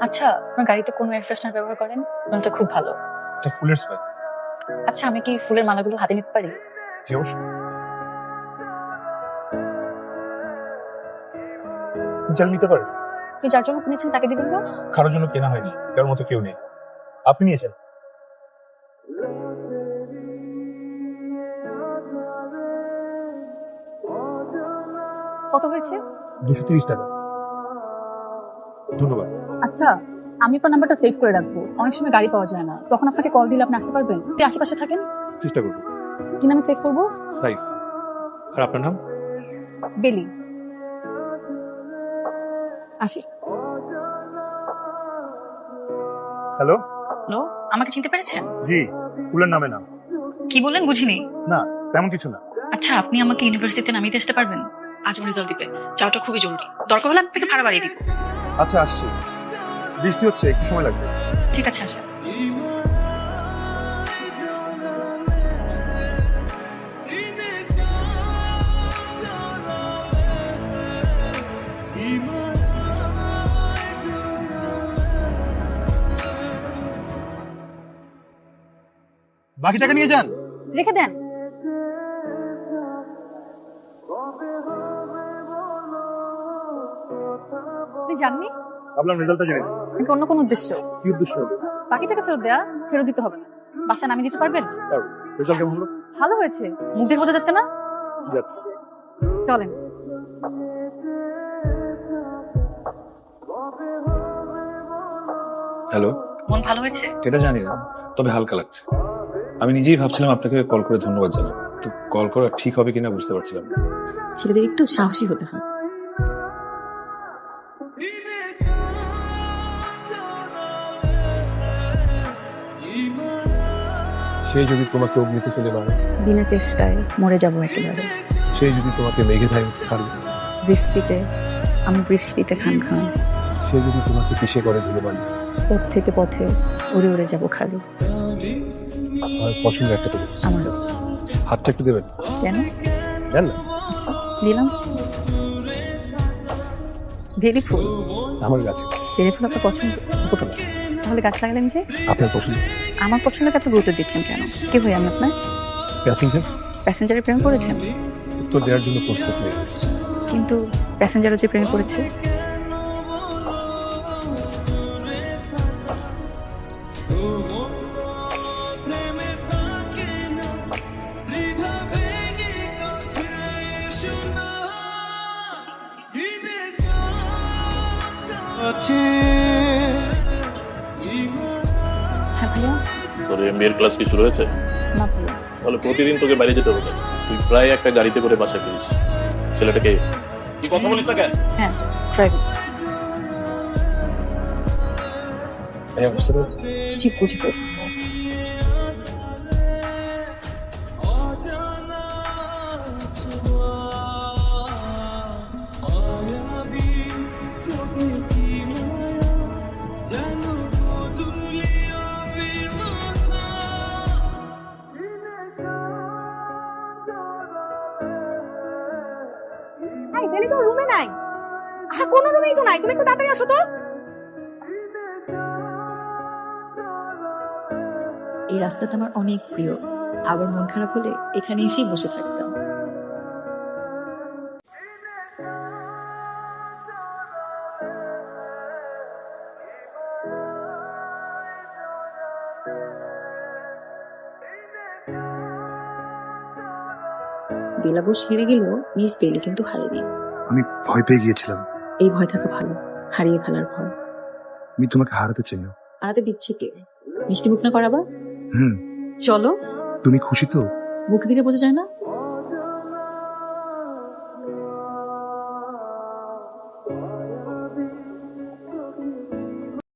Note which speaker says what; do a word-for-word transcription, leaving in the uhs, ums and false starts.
Speaker 1: আচ্ছা, আপনার গাড়িতে কোন এয়ার ফ্রেশনার ব্যবহার করেন? এটা খুব ভালো।
Speaker 2: এটা ফুলের স্মেল।
Speaker 1: আচ্ছা, আমি কি ফুলের মালাগুলো হাতে নিতে পারি?
Speaker 2: জি অবশ্যই। চাল নিতে পারেন।
Speaker 1: আপনি যার জন্য কিনেছেন তাকে দিবেন না?
Speaker 2: কারোর জন্য কেনা হয়নি, কারোর মতো কেউ নেই, আপনি নিয়েছেন।
Speaker 1: কত হয়েছে?
Speaker 2: দুশো তিরিশ টাকা। ধন্যবাদ।
Speaker 1: আচ্ছা, আমি আপনার নাম্বারটা সেভ করে রাখবো। অনেক সময় গাড়ি পাওয়া যায় না, তখন আপনাকে কল দিলে আপনি আসতে পারবেন? আপনি আশেপাশে থাকেন।
Speaker 2: চেষ্টা করবো।
Speaker 1: কি নামে সেভ করবো?
Speaker 2: সাইফ। আর আপনার নাম?
Speaker 1: বেলি। আসি।
Speaker 2: হ্যালো।
Speaker 1: হ্যালো, আমাকে চিনতে পেরেছেন?
Speaker 2: জি, ফুলের নামে নাম।
Speaker 1: কি বললেন বুঝিনি।
Speaker 2: না, তেমন কিছু না।
Speaker 1: আচ্ছা, আপনি আমাকে ইউনিভার্সিটিতে নামিয়ে আসতে পারবেন? আজ আমার রেজাল্ট দিবে, যাওয়াটা খুবই জরুরি। দরকার হলে আপনাকে ভাড়া বাড়িয়ে দিব।
Speaker 2: আচ্ছা, আসছি। বৃষ্টি হচ্ছে, একটু সময় লাগবে।
Speaker 1: ঠিক আছে, আসেন।
Speaker 2: বাকি টাকা নিয়ে যান।
Speaker 1: রেখে দেন। আপনি জাননি?
Speaker 2: ভাবলাম রেজাল্টটা জেনে নিই।
Speaker 1: নাকি অন্য কোন উদ্দেশ্য?
Speaker 2: কি উদ্দেশ্য হবে?
Speaker 1: বাকি টাকা ফেরত দেয়া? ফেরত দিতে হবে না। বাসা নামিয়ে দিতে পারবেন?
Speaker 2: পারবো। রেজাল্ট কেমন হলো?
Speaker 1: ভালো হয়েছে, মুখ দেখে বোঝা যাচ্ছে না।
Speaker 2: যাচ্ছে।
Speaker 1: চলেন।
Speaker 3: হ্যালো।
Speaker 1: মন ভালো হয়েছে?
Speaker 3: এটা জানি না, তবে হালকা লাগছে। আমি নিজেই ভাবছিলাম আপনাকে কল করে ধন্যবাদ জানাবো, তো কল করা ঠিক হবে কিনা বুঝতে পারছিলাম না।
Speaker 1: ছেলেদের একটু সাহসী হতে হয়।
Speaker 3: সে যদি তোমাকে অগ্নিতে ফেলে মারে,
Speaker 1: বিনা চেষ্টায় মরে যাবো একেবারে।
Speaker 3: সে যদি তোমাকে মেঘে ধায় ছাড়ে,
Speaker 1: বৃষ্টিতে আমি বৃষ্টিতে খান খান।
Speaker 3: সে যদি তোমাকে কিসে করে ধুলো বালি,
Speaker 1: পথ থেকে পথে উড়ে উড়ে যাবো খালি।
Speaker 3: আমার পছন্দের একটা করেছি।
Speaker 1: আমারও।
Speaker 3: হাতটা একটু দেবেন?
Speaker 1: কেন?
Speaker 3: দেন না।
Speaker 1: দিলাম। বেলি ফুল?
Speaker 3: আমার গাছে।
Speaker 1: বেলি ফুল আপনার পছন্দ?
Speaker 3: কতটা না।
Speaker 1: তাহলে গাছ লাগালেন যে?
Speaker 3: আপনার পছন্দ।
Speaker 1: আমার পছন্দকে এত গুরুত্ব দিচ্ছেন কেন? কি হই আমি আপনার?
Speaker 3: প্যাসেঞ্জার।
Speaker 1: প্যাসেঞ্জারের প্রেম করেছেন?
Speaker 3: উত্তর দেওয়ার জন্য প্রস্তুত হয়ে গেছে।
Speaker 1: কিন্তু প্যাসেঞ্জারও যে প্রেম করেছে। হ্যাঁ ভাইয়া।
Speaker 4: তোর এমবিএর ক্লাস কি শুরু হয়েছে?
Speaker 1: না ভাইয়া।
Speaker 4: তাহলে প্রতিদিন তোকে বাইরে যেতে হবে না। তুই প্রায় একটা গাড়িতে করে বাসায় ফিরিস। ছেলেটাকে কি কথা বলিস না কেন?
Speaker 1: হ্যাঁ, ড্রাইভিং।
Speaker 3: ভাইয়া বুঝতে পেরেছি।
Speaker 1: ঠিক বুঝে পেয়েছি।
Speaker 5: এই বেলি তো রুমে নাই। হ্যাঁ, কোন রুমেই তো নাই। তুমি একটু তাড়াতাড়ি আসো তো।
Speaker 1: এই রাস্তাটা আমার অনেক প্রিয়। আবার মন খারাপ হলে এখানে এসেই বসে থাকতাম। বেলাবুস হেরে গেল, মিস বেলি কিন্তু হারেনি।
Speaker 2: আমি ভয় পেয়ে গিয়েছিলাম।
Speaker 1: এই ভয় থাকা ভালো, হারিয়ে ফেলার ভয়।
Speaker 2: আমি তোমাকে হারাতে চাই না।
Speaker 1: হারাতে দিচ্ছে কে? মিষ্টি মুখ না করাবা?
Speaker 2: হুম।
Speaker 1: চলো।
Speaker 2: তুমি খুশি তো?
Speaker 1: মুখ দিকে বোঝা যায় না।